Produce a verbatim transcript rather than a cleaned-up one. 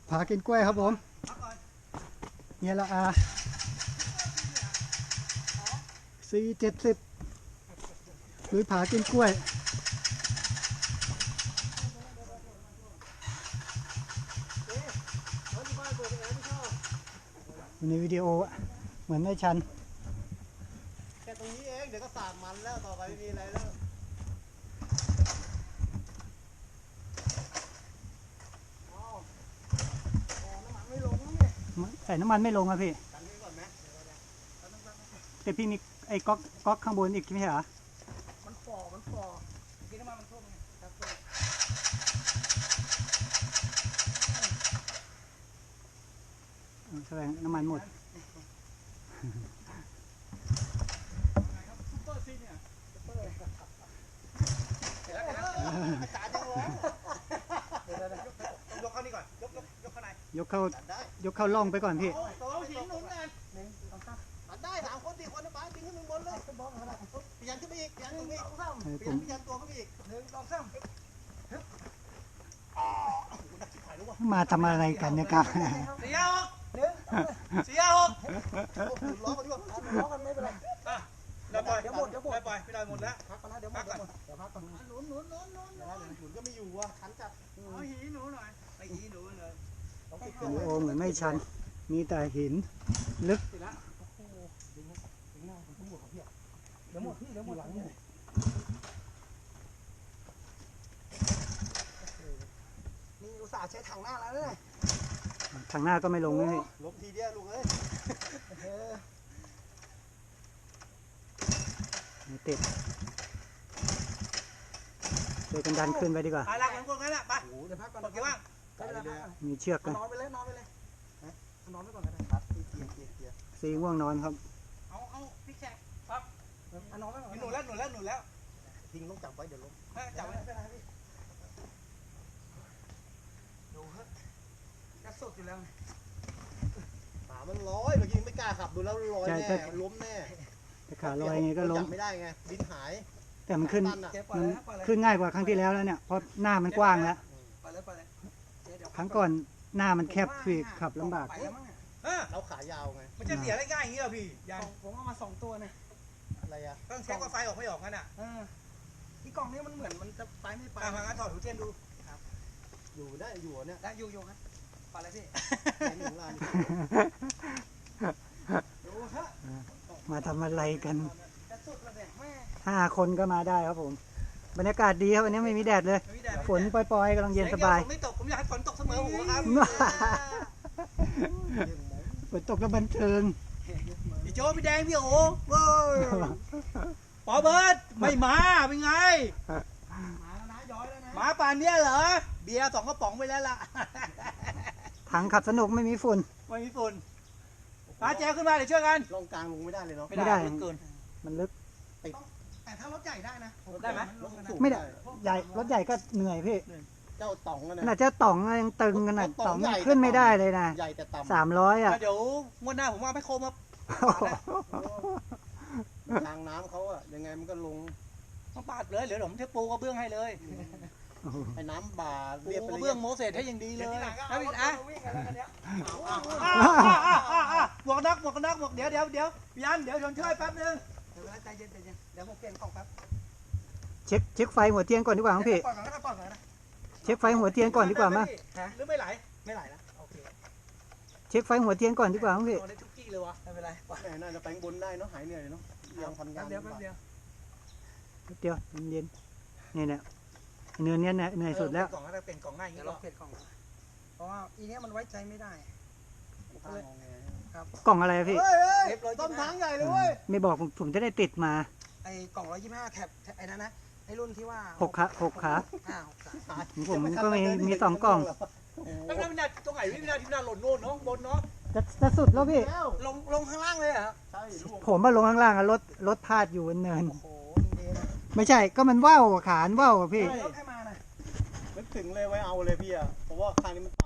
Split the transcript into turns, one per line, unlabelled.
ผากินกล้วยครับผมเนี่ยละอาสี่เจ็ดสิบหรือผากินกล้วยในวิดีโอเหมือนไม่ชัน
แค่ตรงนี้เองเดี๋ยวก็สาดมันแล้วต่อไปไม่มีอะไรแล้ว
ใส่น้ำมันไม่ลงอะพี่แต่พี่มีไอ้ก๊อกก๊อกข้างบนอีกไม่ใช่เหรอ
มันฝ่อมันฝ่อกินน้ำมันมันท่วมไงครับ
แสดงน้ำมันหมด
ซุปเปอร์ซีเนี่ยซุปเปอร์อาจารย์ยังร้องเดี๋ยวๆยกเข้านี่ก่อนยกยกยกเข้าใน
ยกเข้ายกเข้าล่องไปก่อนพี่
เอาหินหนุนกันได้สามคนสี่คนนะป้าปิ้งขึ้นบนเลยพยันขึ้นไปอีกพยันตรงนี้พยันพยันตัวขึ้นไปอีกหนึ่งสองสาม
มาทำอะไรกันเนี่ยครับ
สี่หกหนึ่งสี่หกล้อกันด้วยล้อกันไม่เป็นไรเดี๋ยวปล่อยเดี๋ยวหมดเดี๋ยวหมดปล่อยไม่ได้หมดแล้วพักก่อนนะเดี๋ยวหมดเดี๋ยวพักก่อนหนุนหนุนหนุนหนุนหนุนก็ไม่อยู่อ่ะขันจัดเอาหินหนุนหน่อยไอ้หินหนุนเลย
วิดีโอเหมือนไม่ชันมีแต่หินลึก
เดี๋ยวหมดพี่เดี๋ยวหมดหลังนี่นี่อุตส่าห์ใช้ถังหน้าแล้วเนี่ย
ทางหน้าก็ไม่ลงเลยพี่
ลบทีเดียวลุงเอ้ย
ไม่ติดเดี๋ยวกันดันขึ้นไปดีกว่า
ไปละกันพวกนั้นแหละไปเดี๋ยวพักก่อนเกี่ยวว่าง
มีเชือกกัน
นอนไปเลยนอนไปเลยนอนไปก่อนก็ได้ครับเกียร์เกียร์เกียร์
ซีง่วงนอนครับ
เอาเอาพี่แขกครับนอนไปก่อนหนุนแล้วหนุนแล้วหนุนแล้วทิ้งต้องจับไว้เดี๋ยวล้มจับไว้ไม่เป็นไรพี่ดูฮะกระสุดอยู่แล้วขามันลอยเมื่อกี้ไม่กล้าขับดูแล้วลอยแน่ล้มแน่
แต่ขาลอยไงก็ล้ม
ไม่ได้ไงดินหาย
แต่มันขึ้นมันขึ้นง่ายกว่าครั้งที่แล้วแล้วเนี่ยเพราะหน้ามันกว้างแล้วครั้งก่อนหน้ามันแคบพี่ขับลำบาก
เราขายาวไงมันจะเสียได้ง่ายอย่างนี้เหรอพี่ยังผมเอามาสองตัวเนี่ยอะไรอะต้องเช็คว่าไฟออกไม่ออกกันอ่ะที่กล่องนี้มันเหมือนมันจะไฟไม่ไปทางนั้นถอดหูเทียนดูครับอยู่ได้อยู่เนี่ยได้อยู่อยู่ครับไปเลยพี่หนึ่งล้าน
มาทำอะไรกันห้าคนก็มาได้ครับผมบรรยากาศดีครับวันนี้ไม่มีแดดเลยฝนปล่อยๆกำลังเย็นสบาย
ไม่ตกผมอยากให้ฝนตกเสมอหัวครับ
ฝนตกแล้วบันเทิง
พี่โจพี่แดงพี่โอ๋ปอเบิร์ดไม่มาเป็นไงมาแล้วนะย้อยแล้วนะมาป่านเนี้ยเหรอเบียร์สองกระป๋องไปแล้วล่ะ
ถังขับสนุกไม่มีฝุ่น
ไม่มีฝุ่นป้าแจวขึ้นมาเดี๋ยวช่วยกันลงกลางลงไม่ได้เลยเนาะ
ไม่ได้เกินมันลึก
แต่ถ้ารถใหญ่ได้นะได้ไหม
ไม่ได้ใหญ่รถใหญ่ก็เหนื่อยพี่
เจ้าต๋องกัน
นะเจ้าต๋องยังตึงกันนะต๋องขึ้นไม่ได้เลยนะ
ใหญ่แต่ต่ำ
สามร้อยอ่ะ
เดี๋ยวงวดหน้าผมว่าไม่โคมครับทางน้ำเขาอะยังไงมันก็ลงมาปาดเลยเดี๋ยวผมเทปูกระเบื้องให้เลยไอ้น้ำบาดเรียบกระเบื้องโมเสสให้ยังดีเลยนะพี่อ่ะบวกนักบวกนักบวกเดี๋ยวเดี๋ยวเดี๋ยวยันเดี๋ยวชนช่วยแป๊บนึงเดี๋ยวใจเย็นใจเย็นเดี๋ยวผมเปลี่ยนกล่องแป๊บ
เช็คเช็คไฟหัวเทียนก่อนดีกว่าครับพี่เช็คไฟหัวเทียนก่อนดีกว่ามั้ย
หรือไม่ไหลไม่ไหลนะโอเค
เช็คไฟหัวเทียนก่อนดีกว่าครับพี่
ได้ทุกที่เลยวะไม่เป็นไรน่าจะแปลงบนได้เนาะหายเหนื่อยเนาะยังทำงานเดียวเดียว
เดียวเย็นนี่เนี่ยเนื้อเนี้ยเหนื่อยสุดแล้ว
กล่องอะไรเป็นกล่องง่ายอย่างนี้เราเปลี่ยนกล่องเพราะว่าอีเนี้ยมันไว้ใจไม่ได้
กล่องอะไรพี่
ต้มทั้งใหญ่เลยเว้ย
ไม่บอกผมจะได้ติดมา
ไอ้กล่องร้อยยี่สิบห้าแคปไอ้นั่นนะไอ้รุ่นที่ว่า
หกขาหกขาผมก็มีมีสองกล่อง
แล้วไม่น่าตรงไหนไม่น่าที่น่าหล่นโน่นเนาะบนเนาะ
จะจะสุดแล้วพี่
ลงลงข้างล่างเลยอ่ะใช่
ผมมาลงข้างล่างอะรถรถพาดอยู่บนเนินไม่ใช่ก็มันว่าวขานว่าวพี่
รถให้มาน่ะนึกถึงเลยไว้เอาเลยพี่อ่ะเพราะว่าข้างนี้มัน